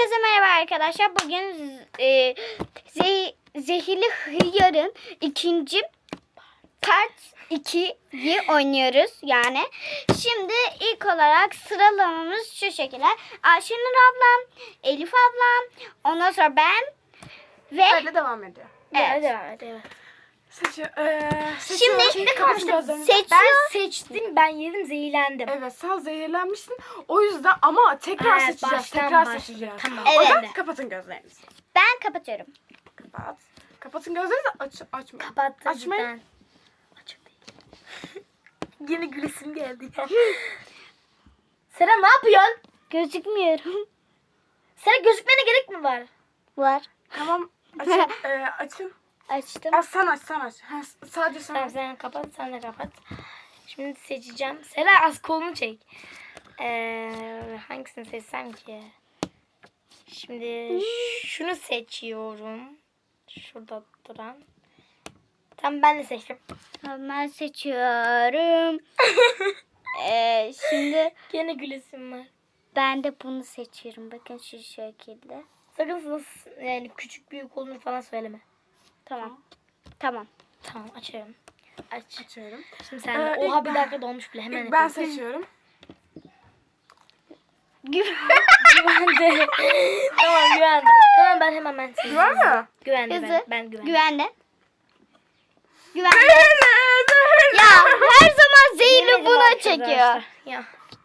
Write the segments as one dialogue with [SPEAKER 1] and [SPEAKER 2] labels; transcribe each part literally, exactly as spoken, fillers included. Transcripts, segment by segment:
[SPEAKER 1] Herkese merhaba arkadaşlar. Bugün e, ze Zehirli Hıyar'ın ikinci part ikiyi oynuyoruz yani. Şimdi ilk olarak sıralamamız şu şekilde. Ayşenur ablam, Elif ablam, ondan sonra ben ve
[SPEAKER 2] Öyle devam ediyor.
[SPEAKER 1] evet.
[SPEAKER 3] Devam et, evet.
[SPEAKER 2] Seçiyor. Ee,
[SPEAKER 1] Şimdi
[SPEAKER 2] seçiyor.
[SPEAKER 1] kapatın.
[SPEAKER 2] Seçiyor.
[SPEAKER 1] Seçiyor.
[SPEAKER 3] Ben seçtim, ben yedim, zehirlendim.
[SPEAKER 2] Evet, sen zehirlenmişsin. O yüzden ama tekrar
[SPEAKER 3] Evet,
[SPEAKER 2] seçeceğiz.
[SPEAKER 3] baştan
[SPEAKER 2] Tekrar
[SPEAKER 3] başlayacağız.
[SPEAKER 2] seçeceğiz.
[SPEAKER 3] Tamam.
[SPEAKER 2] O yüzden
[SPEAKER 3] Evet.
[SPEAKER 2] kapatın gözlerinizi.
[SPEAKER 1] Ben kapatıyorum.
[SPEAKER 2] Kapat. Kapatın gözlerinizi, aç açmayın.
[SPEAKER 3] Kapattım
[SPEAKER 2] Açmayın.
[SPEAKER 3] cidden. Açık değil. Yine gülesim geldi ya. Sera ne yapıyorsun?
[SPEAKER 1] Gözükmüyorum.
[SPEAKER 3] Sera gözükmene gerek mi var?
[SPEAKER 1] Var.
[SPEAKER 2] Tamam. Açın. ee, açın.
[SPEAKER 1] Açtım.
[SPEAKER 2] Aa, sen aç, sen aç. Ha, sadece sen
[SPEAKER 3] Tamam
[SPEAKER 2] aç.
[SPEAKER 3] sen kapat, sen de kapat. Şimdi seçeceğim. Sera az kolunu çek. Ee, hangisini seçsem ki? Şimdi şunu seçiyorum. Şurada duran. Tamam ben de seçtim.
[SPEAKER 1] Ben seçiyorum. ee, şimdi
[SPEAKER 3] Gene gülesim var.
[SPEAKER 1] ben de bunu seçiyorum. Bakın şu şekilde.
[SPEAKER 3] Sakın nasıl yani küçük büyük olduğunu falan söyleme.
[SPEAKER 1] Tamam. Tamam.
[SPEAKER 3] Tamam açıyorum. Aç.
[SPEAKER 2] Açıyorum.
[SPEAKER 3] Şimdi sen de.
[SPEAKER 2] Ee,
[SPEAKER 3] Oha
[SPEAKER 2] ilk
[SPEAKER 3] bir
[SPEAKER 2] ben-
[SPEAKER 3] dakika dolmuş bile hemen.
[SPEAKER 2] İlk ben
[SPEAKER 3] yapayım.
[SPEAKER 2] seçiyorum.
[SPEAKER 3] Güvende. Tamam güvende. Hemen ben hemen ben seçiyorum.
[SPEAKER 2] Güven mi?
[SPEAKER 3] Güvende
[SPEAKER 1] Hızlı.
[SPEAKER 3] ben. Ben güvende.
[SPEAKER 1] Güvende. Güvende. Ya her zaman zehirli
[SPEAKER 3] Yemedim
[SPEAKER 1] buna
[SPEAKER 3] arkadaşlar.
[SPEAKER 1] çekiyor.
[SPEAKER 3] Ya.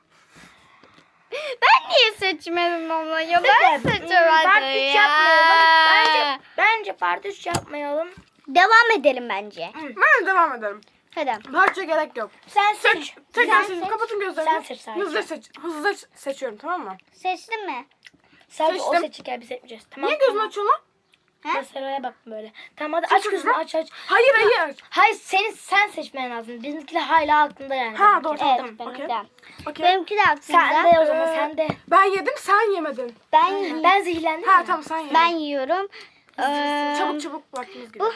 [SPEAKER 1] Ben niye seçmedim ama ya ben
[SPEAKER 3] Part
[SPEAKER 1] seçemedim
[SPEAKER 3] üç
[SPEAKER 1] ya.
[SPEAKER 3] yapmayalım. Bence, bence part üç yapmayalım.
[SPEAKER 1] Devam edelim bence.
[SPEAKER 2] Ben devam ederim.
[SPEAKER 1] Hadi.
[SPEAKER 2] Parça gerek yok.
[SPEAKER 3] Sen
[SPEAKER 2] Seç.
[SPEAKER 3] seç.
[SPEAKER 2] Tekrar
[SPEAKER 1] Sen
[SPEAKER 2] seç.
[SPEAKER 1] seç.
[SPEAKER 2] Kapatın gözlerinizi.
[SPEAKER 3] Sen seç sadece.
[SPEAKER 2] Hızlı seç. Hızlı seçiyorum, tamam mı?
[SPEAKER 1] Seçtin mi?
[SPEAKER 3] Sadece o
[SPEAKER 2] Seçtim.
[SPEAKER 3] seçecek ya biz seçmeyeceğiz. Tamam.
[SPEAKER 2] Niye gözünü açıyorsun lan?
[SPEAKER 3] Ben Sera'ya baktım böyle. Tamam hadi aç
[SPEAKER 2] Seç
[SPEAKER 3] gözünü
[SPEAKER 2] kızım.
[SPEAKER 3] aç aç.
[SPEAKER 2] Hayır hayır.
[SPEAKER 3] Hayır senin sen seçmen lazım. Bizimkiler hala aklında yani.
[SPEAKER 2] Ha doğru
[SPEAKER 1] Evet,
[SPEAKER 2] tamam.
[SPEAKER 1] benimki
[SPEAKER 2] Okey.
[SPEAKER 1] de.
[SPEAKER 2] Okey.
[SPEAKER 1] Benimki de aklımda.
[SPEAKER 3] Sen de o zaman
[SPEAKER 2] Ee,
[SPEAKER 3] sen de.
[SPEAKER 2] Ben yedim, sen yemedin.
[SPEAKER 1] Ben
[SPEAKER 3] Ben zehirlendim.
[SPEAKER 2] Ha
[SPEAKER 3] ya.
[SPEAKER 2] tamam sen yedin.
[SPEAKER 1] ben yiyorum. Ee,
[SPEAKER 2] Çabuk çabuk vaktimiz gidiyor.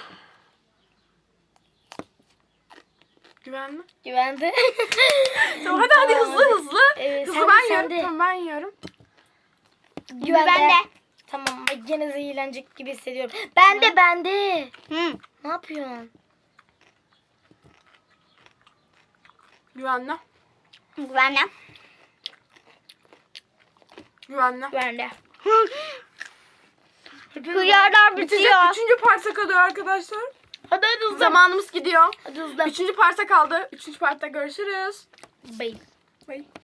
[SPEAKER 2] Güvenli.
[SPEAKER 3] Güvende.
[SPEAKER 2] Tamam hadi hadi hızlı hızlı.
[SPEAKER 3] Ee,
[SPEAKER 2] hızlı
[SPEAKER 3] sen de,
[SPEAKER 2] ben
[SPEAKER 3] sen
[SPEAKER 2] yiyorum.
[SPEAKER 3] de.
[SPEAKER 2] Tamam ben yiyorum.
[SPEAKER 1] Güvende.
[SPEAKER 3] Tamam ama gene zehirlenecek gibi hissediyorum. Ben de ben de.
[SPEAKER 1] Hı.
[SPEAKER 3] Ne yapıyorsun?
[SPEAKER 2] Güvenli.
[SPEAKER 1] Güvende.
[SPEAKER 2] Güvenli.
[SPEAKER 3] Güvende.
[SPEAKER 1] Hıyarlar
[SPEAKER 2] Bitecek.
[SPEAKER 1] bitiyor.
[SPEAKER 2] Üçüncü parça kalıyor arkadaşlar.
[SPEAKER 3] Hadi hadi hızlı.
[SPEAKER 2] Zamanımız gidiyor.
[SPEAKER 3] Hadi hızlı.
[SPEAKER 2] Üçüncü parça kaldı. Üçüncü partta görüşürüz.
[SPEAKER 3] Bye.
[SPEAKER 2] Bye.